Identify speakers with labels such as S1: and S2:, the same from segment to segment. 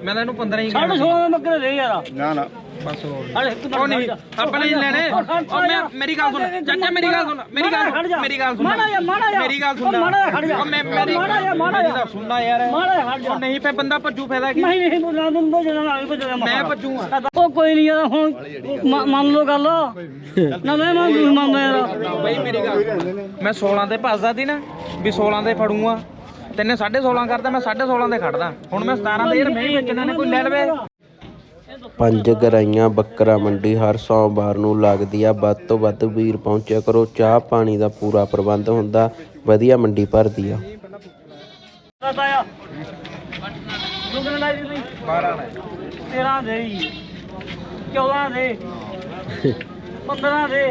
S1: ਮੈਂ ਤਾਂ ਇਹਨੂੰ 15 ਹੀ
S2: 16.5 ਦੇ ਬੱਕਰੇ ਦੇ ਯਾਰ
S3: ਨਾ ਨਾ
S1: ਬਸ ਹੋਰ
S2: ਅਰੇ ਇੱਕ
S1: ਉਹ ਨਹੀਂ ਆਪਾਂ ਨਹੀਂ ਲੈਣੇ ਉਹ ਮੈਂ ਮੇਰੀ ਗੱਲ ਸੁਣ ਚਾਚਾ ਮੇਰੀ ਗੱਲ ਸੁਣ ਮੇਰੀ ਗੱਲ ਸੁਣ ਮੇਰੀ ਗੱਲ ਸੁਣ ਮੇਰੀ ਗੱਲ ਸੁਣ ਉਹ ਮੈਂ ਮੇਰੀ ਗੱਲ ਸੁਣਨਾ ਯਾਰ ਉਹ ਨਹੀਂ ਪੈ ਬੰਦਾ ਭੱਜੂ ਫਾਇਦਾ ਕੀ
S2: ਨਹੀਂ ਬੋਲਾਂ ਦੂੰ ਜਦੋਂ ਵੀ ਭੱਜਦਾ
S1: ਮੈਂ ਭੱਜੂਗਾ
S2: ਉਹ ਕੋਈ ਨਹੀਂ ਯਾਰ ਹੁਣ ਮੰਨ ਲਓ ਗੱਲ ਨਾ ਮੈਂ ਮੰਨਦਾ ਯਾਰ
S1: ਬਈ ਮੇਰੀ ਗੱਲ ਮੈਂ 16 ਤੇ ਭੱਜਦਾ ਸੀ ਨਾ ਵੀ 16 ਤੇ ਫੜੂਗਾ ਤੈਨੇ 16.5 ਕਰਦਾ ਮੈਂ 16.5 ਤੇ ਖੜਦਾ ਹੁਣ ਮੈਂ 17 ਤੇ ਯਾਰ ਮੈਂ ਹੀ ਵੇਚਣਾ ਨੇ ਕੋਈ ਲੈ ਲਵੇ।
S4: ਪੰਜ ਗਰਾਈਆਂ ਬੱਕਰਾ ਮੰਡੀ ਹਰ ਸੋਮਵਾਰ ਨੂੰ ਲੱਗਦੀ ਆ। ਵੱਧ ਤੋਂ ਵੱਧ ਵੀਰ ਪਹੁੰਚਿਆ ਕਰੋ। ਚਾਹ ਪਾਣੀ ਦਾ ਪੂਰਾ ਪ੍ਰਬੰਧ ਹੁੰਦਾ। ਵਧੀਆ ਮੰਡੀ ਭਰਦੀ ਆ।
S2: 13 ਦੇ 14 ਦੇ 15 ਦੇ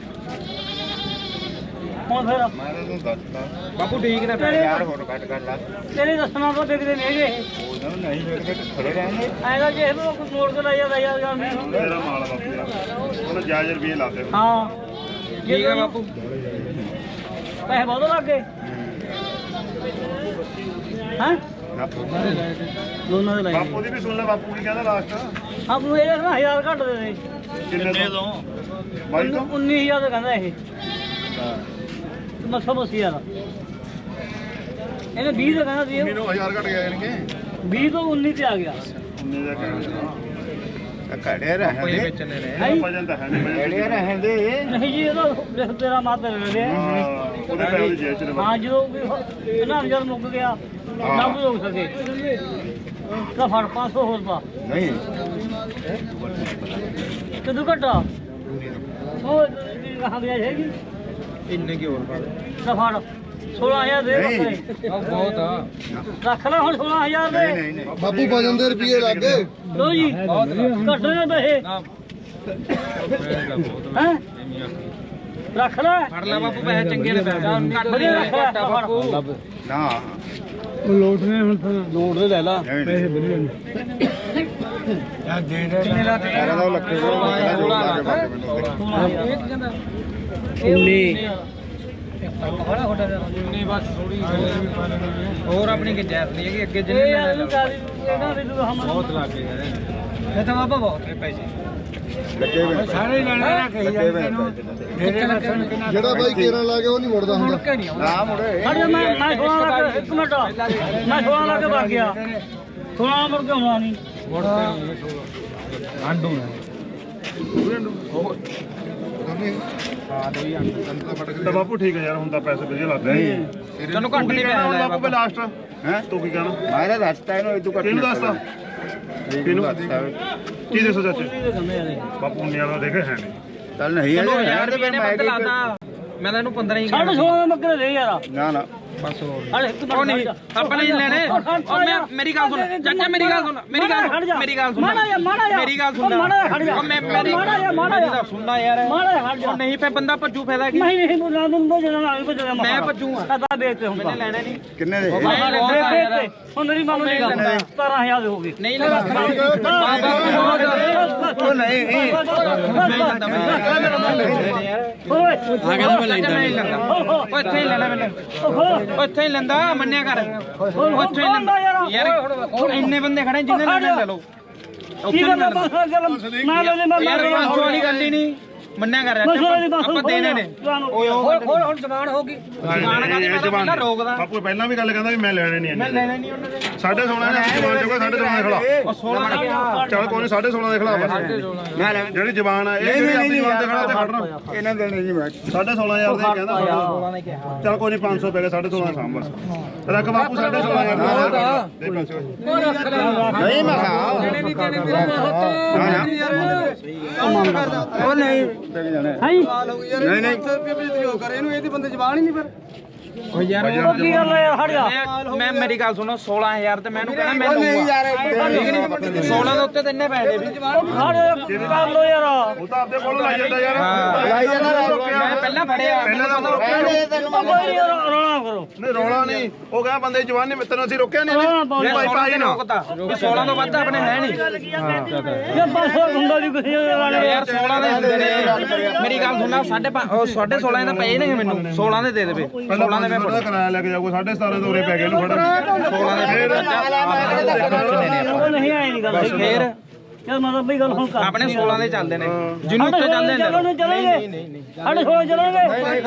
S2: ਹੁਣ ਫਿਰ
S1: ਬਾਪੂ ਠੀਕ ਨੇ
S3: ਯਾਰ ਹੋਰ ਘੱਟ ਕਰ ਲਾ
S2: ਤੇਰੇ ਦੱਸਣਾ ਕੋ ਦੇਖਦੇ ਨਹੀਂ ਹੈਗੇ
S3: ਉਹਨਾਂ ਨੂੰ ਨਹੀਂ ਵੇਖ ਕੇ ਖੜੇ ਰਹਿਣਗੇ
S2: ਐਦਾ ਜੇ ਇਹਨੂੰ ਕੋਈ ਮੋੜ ਕੇ ਲਾਇਆ ਯਾਰ
S3: ਮੇਰਾ ਮਾਲ ਬਾਪੂ ਯਾਰ ਉਹਨਾਂ ਜਾਇਜ਼ ਰੁਪਏ ਲਾਦੇ
S2: ਹਾਂ
S1: ਠੀਕ ਹੈ ਬਾਪੂ
S2: ਪੈਸੇ ਬਹੁਤ ਲੱਗੇ ਹਾਂ ਦੋਨਾਂ ਦੇ ਲਾਏ
S3: ਬਾਪੂ ਦੀ ਵੀ ਸੁਣ ਲੈ ਬਾਪੂ ਕੀ ਕਹਿੰਦਾ ਲਾਸਟ
S2: ਆਪ ਨੂੰ ਇਹ ਨਾ 1000 ਘੱਟ ਦੇ ਦੇ
S3: ਕਿੰਨੇ ਤੋਂ ਬਾਈ ਤੋਂ
S2: 19000 ਦਾ ਕਹਿੰਦਾ ਇਹ ਮਸਾ ਬਸ ਯਾਰ ਇਹਨੇ 20 ਦਾ ਕਹਿੰਦਾ ਸੀ
S3: ਮੈਨੂੰ 1000 ਘਟ ਗਿਆ ਜਾਨਕੇ
S2: 20 ਤੋਂ 19 ਤੇ ਆ ਗਿਆ
S3: 19 ਦਾ ਕਹਿੰਦਾ ਘੜੇ ਰਹਿੰਦੇ
S1: ਵੇਚਣੇ ਨੇ
S3: ਵਜਨ ਤਾਂ ਹੈ ਨਹੀਂ ਘੜੇ ਰਹਿੰਦੇ
S2: ਨਹੀਂ ਜੀ ਇਹਦਾ ਤੇਰਾ ਮਾਤ ਦੇ
S3: ਉਹਦੇ ਪੈਸੇ ਦੀ ਜੇਬ ਚ
S2: ਹਾਂ ਜਦੋਂ ਇਹਨਾਂ ਜਦ ਮੁੱਕ ਗਿਆ ਨਾ ਵੀ ਹੋ ਸਕੇ ਤਾਂ ਫੜ 500 ਹੋਰ ਪਾ
S3: ਨਹੀਂ
S2: ਕਿਦੋਂ ਘਟਾ ਉਹ ਕਹਾਂ ਗਿਆ ਹੈਗੀ
S1: ਇੰਨੇ ਕੀ ਹੋਰ ਪਾ
S2: ਤਾਂ ਫੜ 16000 ਦੇ ਬੱਕਰੇ
S1: ਉਹ ਬਹੁਤ ਆ
S2: ਰੱਖ ਲੈ ਹੁਣ 16000 ਦੇ
S3: ਨਹੀਂ ਨਹੀਂ
S5: ਬਾਪੂ ਵਜਨ ਦੇ ਰੁਪਏ ਲੱਗ ਗਏ
S2: ਲੋ ਜੀ ਘੱਟ ਨੇ ਪੈਸੇ ਹੈ ਰੱਖ ਲੈ
S1: ਫੜ ਲੈ ਬਾਪੂ ਪੈਸੇ ਚੰਗੇ ਨੇ ਪੈਸੇ ਕੱਟ ਦੇ ਘਾਟਾ ਬਾਪੂ
S3: ਨਾ
S5: ਲੋਟ ਨੇ ਹੁਣ ਲੋਟ ਦੇ ਲੈ ਲਾ
S3: ਪੈਸੇ
S5: ਵਧੀਆ ਨੇ
S3: ਯਾਰ ਦੇ ਦੇ ਕਿੰਨੇ ਲਾ ਦੇ ਇਹਦਾ ਲੱਖੇ
S1: ਨਹੀਂ ਬਸ ਥੋੜੀ ਹੋਰ ਆਪਣੀ ਕਿ ਜੈਸ ਨਹੀਂ ਹੈਗੀ ਅੱਗੇ ਜਿੰਨੇ ਲੈਣੇ ਬਹੁਤ ਲੱਗ ਗਏ ਯਾਰ ਇਹ ਤਾਂ ਬਾਬਾ ਬਹੁਤ ਨੇ ਪੈਸੇ
S3: ਲੱਗੇ ਵੇ
S5: ਸਾਰੇ ਲੈਣੇ ਨਾ ਕਹੀ ਜਾਂਦੇ ਇਹਨੂੰ ਜਿਹੜਾ ਬਾਈ ਕੇਰਾਂ ਲਾ ਕੇ ਉਹ ਨਹੀਂ ਮੁੜਦਾ ਹੁੰਦਾ
S3: ਨਾ ਮੁੜੇ
S2: ਖੜ ਜਾ ਮੈਂ 16 ਲੱਖ ਇੱਕ ਮਿੰਟ ਮੈਂ 16 ਲੱਖ ਵਗ ਗਿਆ 16 ਮੁੜ ਕੇ ਆਉਣਾ ਨਹੀਂ
S1: ਆਂਡੂ ਨੇ
S3: ਤਾਂ ਬਾਪੂ ਠੀਕ ਹੈ ਯਾਰ ਹੁਣ ਤਾਂ ਪੈਸੇ ਵਧੀਆ ਲੱਗਦੇ ਨਹੀਂ
S1: ਤੈਨੂੰ ਘੱਟ ਨਹੀਂ ਪੈਣਾ
S3: ਬਾਪੂ ਬੇ ਲਾਸਟ ਹੈ ਤੂੰ ਕੀ ਕਹਿਣਾ ਮੈਂ ਦੱਸਤਾ ਇਹਨੂੰ ਇਹ ਤੂੰ ਕੱਟ ਕਿਹਨੂੰ ਦੱਸਤਾ ਕਿਹਨੂੰ ਕੀ ਦੱਸੋ ਚਾਚੇ ਬਾਪੂ ਨੇ ਵਾਲਾ ਦੇਖੇ ਹੈ ਨਹੀਂ ਚੱਲ ਨਹੀਂ
S1: ਯਾਰ ਰੁਪਏ ਨੇ ਬੰਦ ਲਾਤਾ ਮੈਂ ਤਾਂ ਇਹਨੂੰ 15 ਹੀ
S2: 16.5 ਦੇ ਬੱਕਰੇ ਦੇ ਯਾਰ
S3: ਨਾ ਨਾ
S1: ਬਸ ਹੋਰ
S2: ਅਰੇ ਇੱਕ
S1: ਉਹ ਨਹੀਂ ਆਪਾਂ ਨਹੀਂ ਲੈਣੇ ਉਹ ਮੈਂ ਮੇਰੀ ਗੱਲ ਸੁਣ ਚਾਚਾ ਮੇਰੀ ਗੱਲ ਸੁਣ ਮੇਰੀ ਗੱਲ ਸੁਣ ਮੇਰੀ ਗੱਲ ਸੁਣ ਮੇਰੀ ਗੱਲ ਸੁਣ ਉਹ ਮੈਂ ਮੇਰੀ ਗੱਲ ਸੁਣਨਾ ਯਾਰ ਉਹ ਨਹੀਂ ਪੈ ਬੰਦਾ ਭੱਜੂ ਫਾਇਦਾ ਕੀ
S2: ਨਹੀਂ ਬੋਲਾਂ ਦੂੰ ਜਦੋਂ ਵੀ ਭੱਜਦਾ
S1: ਮੈਂ ਭੱਜੂਗਾ
S2: ਕਦਾ ਵੇਚਦੇ ਹੁਣ
S1: ਮੈਨੇ ਲੈਣੇ ਨਹੀਂ
S3: ਕਿੰਨੇ ਦੇ
S2: ਹੁਣ ਮੇਰੀ ਮੰਨ ਲਈ ਗੱਲ 17000 ਦੇ ਹੋ ਗਏ
S1: ਨਹੀਂ ਲੈਣਾ
S3: ਉਹ ਨਹੀਂ
S2: ਓਏ
S1: ਆ ਗਿਆ ਮੈਂ ਲੈਂਦਾ ਉਹ ਇੱਥੇ ਹੀ ਲੈਣਾ ਮੈਨੇ ਉਹ ਇੱਥੇ ਹੀ ਲੈਂਦਾ ਮੰਨਿਆ ਕਰ ਉਹ ਇੱਥੇ ਹੀ ਲੈਂਦਾ ਯਾਰ ਇੰਨੇ ਬੰਦੇ ਖੜੇ ਜਿੰਨੇ ਲੈਣੇ ਲੈ ਲਓ
S2: ਕੀ ਗੱਲ ਮੈਂ ਲੈ ਲੈ
S1: ਯਾਰ 500 ਵਾਲੀ ਗੱਲ ਹੀ ਨਹੀਂ ਮੰਨਿਆ ਕਰ ਆਪਾਂ ਦੇਣੇ ਨੇ ਓਏ ਹੋਰ ਹੁਣ ਜ਼ਬਾਨ ਹੋ ਗਈ ਜ਼ਬਾਨ ਕਾਦੀ ਪਹਿਲਾਂ ਰੋਕਦਾ
S3: ਬਾਪੂ ਪਹਿਲਾਂ ਵੀ ਗੱਲ ਕਹਿੰਦਾ ਵੀ ਮੈਂ ਲੈਣੇ ਨਹੀਂ
S1: ਮੈਂ ਲੈਣੇ ਨਹੀਂ ਉਹਨਾਂ ਦੇ
S3: 16.5 ਨੇ ਜ਼ਬਾਨ ਚੋਗਾ 16.5 ਦੇ ਖਿਲਾ
S1: ਉਹ 16 ਦਾ ਕਿਹਾ
S3: ਚੱਲ ਕੋਈ ਨਹੀਂ 16.5 ਦੇ ਖਿਲਾ ਬਸ ਮੈਂ ਜਿਹੜੀ ਜ਼ਬਾਨ ਆ ਇਹ ਜਿਹੜੀ ਆਪਣੀ ਜ਼ਬਾਨ ਦੇ ਖਿਲਾ ਤੇ ਖੜਨਾ ਇਹਨਾਂ ਦੇਣੇ ਨਹੀਂ ਮੈਂ 16500 ਦੇ ਕਹਿੰਦਾ
S1: 16 ਨੇ ਕਿਹਾ
S3: ਚੱਲ ਕੋਈ ਨਹੀਂ 500 ਪੈ ਗਿਆ 16.5 ਸਾਂਭ ਬਸ ਰੱਖ ਬਾਪੂ 16500 ਦੇ ਪੈਸੇ ਨਹੀਂ ਮੈਂ ਖਾ
S1: ਦੇਣੇ ਨਹੀਂ ਦੇਣੇ ਮੇਰੇ
S3: ਉਹ ਨਹੀਂ ਨਹੀਂ ਨਹੀਂ
S1: ਓ ਯਾਰ
S2: ਕੀ ਗੱਲ ਹੈ ਹਟ ਜਾ
S1: ਮੈਂ ਮੇਰੀ ਗੱਲ ਸੁਣੋ 16000 ਤੇ ਮੈਨੂੰ ਕਹਿਣਾ ਮੈਂ ਦਊਂਗਾ 16 ਦੇ ਉੱਤੇ ਤਿੰਨੇ ਪੈਸੇ ਵੀ
S2: ਹਟ ਕਰ ਲੋ ਯਾਰ
S3: ਉਹ ਤਾਂ ਆਪਦੇ ਕੋਲ ਲਾਈ ਜਾਂਦਾ ਯਾਰ
S1: ਲਾਈ ਜਾਂਦਾ ਮੈਂ ਪਹਿਲਾਂ ਫੜਿਆ
S3: ਪਹਿਲਾਂ ਤਾਂ ਰੋਕਿਆ
S2: ਰੋਣਾ ਕਰੋ
S3: ਨਹੀਂ ਰੋਲਾ ਨਹੀਂ ਉਹ ਕਹਿੰਦਾ ਬੰਦੇ ਜਵਾਨ ਨੇ ਤੈਨੂੰ ਅਸੀਂ ਰੋਕਿਆ ਨਹੀਂ ਭਾਈ ਭਾਈ ਨਾ
S1: ਰੋਕਦਾ 16 ਤੋਂ ਵੱਧ ਆਪਣੇ ਹੈ ਨਹੀਂ
S2: ਜੇ ਬਸ ਹੁੰਦਾ ਜੀ ਕਿਸੇ ਵਾਲੇ
S1: ਯਾਰ 16 ਦੇ ਹੁੰਦੇ ਨੇ ਮੇਰੀ ਗੱਲ ਸੁਣਨਾ 5.5 16 ਦੇ ਪਏ ਨੇ ਮੈਨੂੰ 16 ਦੇ ਦੇ ਦੇਵੇ 16 16 ਦੇ
S3: ਥੋੜਾ ਕਿਰਾਇਆ ਲੈ ਕੇ ਜਾਊਗਾ 17.5 ਤੋਂ ਉਰੇ ਪੈ ਗਏ ਇਹਨੂੰ ਖੜਾ
S1: 16 ਦੇ
S2: ਨਹੀਂ ਆਏ ਨਹੀਂ ਗੱਲ
S1: ਫੇਰ
S2: ਚੱਲ ਮਤਲਬ ਬਈ ਗੱਲ ਹੁਣ ਕਰ
S1: ਆਪਣੇ 16 ਦੇ ਚੱਲਦੇ ਨੇ ਜਿਹਨੂੰ ਉੱਤੇ ਚੱਲਦੇ ਨੇ
S2: ਚਲਣਗੇ ਸਾਡੇ 16 ਚਲਣਗੇ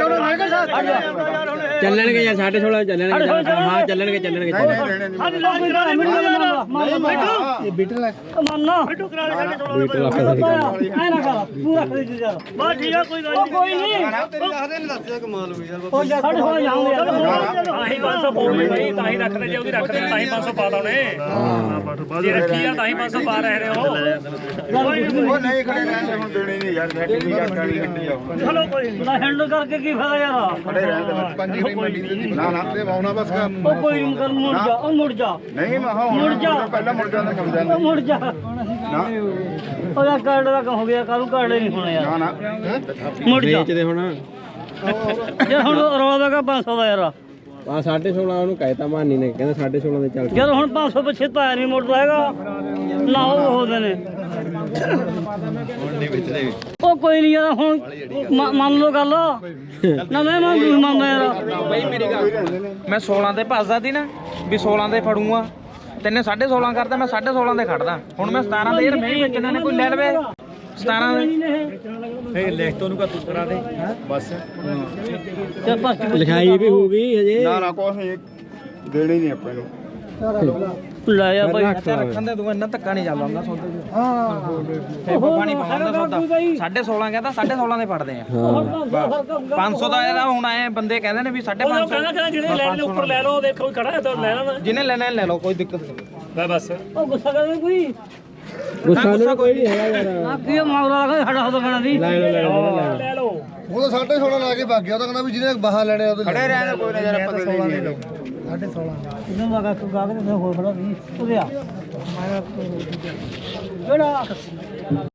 S6: ਚੱਲਣਗੇ ਯਾਰ 16.5 ਚੱਲਣਗੇ ਹਾਂ ਚੱਲਣਗੇ
S2: ਸਾਡੇ ਲੋਕ ਵੀ ਗੱਲ ਮਿਲ
S5: ਇਹ ਬੀਟਲ ਹੈ
S2: ਮੰਨਣਾ ਬਿੱਟੂ ਕਰਾ ਲੈ ਸਾਡੇ 16 ਐ ਨਾ ਕਰ ਪੂਰਾ ਖਰੀਦ ਜਾ ਬਸ ਠੀਕ ਆ ਕੋਈ ਗੱਲ ਨਹੀਂ ਕੋਈ ਨਹੀਂ ਉਹ ਸਾਡੇ 16 ਜਾਉਂਗੇ
S7: ਆਹੀ 500 ਪਾਉਣੇ ਬਈ ਤਾਂ ਹੀ ਰੱਖਦੇ ਜੇ ਉਹਦੀ ਰੱਖਦੇ ਤਾਂ ਹੀ 500 ਪਾ ਦਾਉਣੇ ਜੇ ਰੱਖੀ ਆ ਤਾਂ ਹੀ 500 ਪਾ ਰਹੇ ਨੇ ਉਹ
S3: ਉਹ ਨਹੀਂ ਖੜੇ ਰਹਿੰਦੇ ਹੁਣ ਦੇਣੀ ਨਹੀਂ ਯਾਰ ਸਾਡੀ ਵੀ ਜੱਟ ਵਾਲੀ ਗੱਡੀ ਆ
S2: ਚਲੋ ਕੋਈ ਨਾ ਹੈਂਡਲ ਕਰਕੇ ਕੀ ਫਾਇਦਾ ਯਾਰ
S3: ਖੜੇ ਰਹਿੰਦੇ
S5: ਪੰਜੀ ਗਰੀ ਮੰਡੀ ਦੇ ਨਾ ਨਾ ਤੇ ਆਉਣਾ ਬਸ
S2: ਉਹ ਕੋਈ ਨਹੀਂ ਕਰ ਮੁੜ ਜਾ ਉਹ ਮੁੜ ਜਾ
S3: ਨਹੀਂ ਮੈਂ ਹਾਂ
S2: ਮੁੜ ਜਾ
S3: ਪਹਿਲਾਂ ਮੁੜ ਜਾਂਦਾ ਕੰਮ
S2: ਉਹ
S3: ਜਾਂਦਾ
S2: ਮੁੜ ਜਾ
S3: ਨਾ
S2: ਉਹਦਾ ਕਾਰਡ ਦਾ ਕੰਮ ਹੋ ਗਿਆ ਕਾਹਨੂੰ ਕਾਰਡ ਨਹੀਂ ਹੋਣਾ ਯਾਰ
S3: ਨਾ
S2: ਮੁੜ ਜਾ
S6: ਵੇਚਦੇ ਹੁਣ
S2: ਜੇ ਹੁਣ ਰੌਲਾ ਦਾ 500 ਦਾ ਯਾਰ
S6: ਆ 16.5 ਉਹਨੂੰ ਕਹਿਤਾ ਮਾਨੀ ਨੇ ਕਹਿੰਦਾ 16.5 ਦੇ ਚੱਲ
S2: ਜਦ ਹੁਣ 500 ਪਿੱਛੇ ਤਾਂ ਨਹੀਂ ਮੁੜਦਾ ਹੈਗਾ ਨਾ ਉਹ ਹੋਦੇ ਨੇ ਉਹ ਕੋਈ ਨਹੀਂ ਯਾਰ ਹੁਣ ਮੰਨ ਲਓ ਗੱਲ ਨਾ ਮੈਂ ਮੰਨਦਾ ਯਾਰ
S1: ਬਈ ਮੇਰੀ ਗੱਲ ਮੈਂ 16 ਤੇ ਭੱਜਦਾ ਸੀ ਨਾ ਵੀ 16 ਤੇ ਫੜੂਗਾ ਤੈਨੇ 16.5 ਕਰਦਾ ਮੈਂ 16.5 ਤੇ ਖੜਦਾ ਹੁਣ ਮੈਂ 17 ਤੇ ਯਾਰ ਮੈਂ ਹੀ ਵੇਚਣਾ ਨੇ ਕੋਈ ਲੈ ਲਵੇ 17 ਦੇ
S7: ਲਿਖ ਤੋਂ ਉਹਨੂੰ ਤੂੰ ਕਰਾ ਦੇ
S3: ਬਸ
S6: ਲਿਖਾਈ ਵੀ ਹੋਊਗੀ ਹਜੇ
S3: ਨਾ ਨਾ ਕੁਛ ਨਹੀਂ ਦੇਣੀ ਨਹੀਂ ਆਪਾਂ ਨੂੰ
S2: ਲੈ ਜਾ ਬਾਈ
S1: ਰੱਖਣ ਦੇ ਤੂੰ ਇੰਨਾ ਧੱਕਾ ਨਹੀਂ ਚੱਲਦਾ ਹੁੰਦਾ ਸੌਦੇ ਚ ਹਾਂ ਪਾਣੀ ਪਾਉਂਦਾ ਸੌਦਾ 16.5 ਕਹਿੰਦਾ 16.5 ਦੇ ਫੜਦੇ ਆ 500 ਦਾ ਇਹਦਾ ਹੁਣ ਆਏ ਬੰਦੇ ਕਹਿੰਦੇ ਨੇ ਵੀ 550
S7: ਕਹਿੰਦਾ ਜਿਹੜੇ ਲੈਣ ਦੇ ਉੱਪਰ ਲੈ ਲਓ ਦੇਖੋ ਵੀ ਖੜਾ ਹੈ ਤਾਂ ਲੈ ਲੈਣਾ
S1: ਜਿਹਨੇ ਲੈਣਾ ਲੈ ਲਓ ਕੋਈ ਦਿੱਕਤ ਨਹੀਂ
S7: ਬਸ
S2: ਉਹ ਗੁੱਸਾ ਕਰਦੇ ਕੋਈ
S6: ਗੁੱਸਾ ਨੂੰ ਕੋਈ ਨਹੀਂ ਹੈਗਾ ਯਾਰ
S2: ਆ ਕੀ ਮਾਮਲਾ ਲਗਾ ਸਾਡਾ ਹੱਥ ਖਾਣਾ ਦੀ
S6: ਲੈ ਲਓ
S7: ਲੈ ਲਓ
S5: ਉਹ ਤਾਂ 16.5 ਲਾ ਕੇ ਭੱਗ ਗਿਆ ਉਹ ਤਾਂ ਕਹਿੰਦਾ ਵੀ ਜਿਹਨੇ ਬਾਹਰ ਲੈਣੇ ਉਹਦੇ
S3: ਖੜੇ ਰਹਿਣ ਕੋਈ ਨਾ ਯਾਰ ਆਪਾਂ ਦੇ ਦੇਣੀ
S2: ਇਹਨਾਂ ਦਾ ਗਾ ਗਾ ਕੇ ਹੋਰ ਬੜਾ ਵੀ ਉਹਦੇ ਆ ਕਿਹੜਾ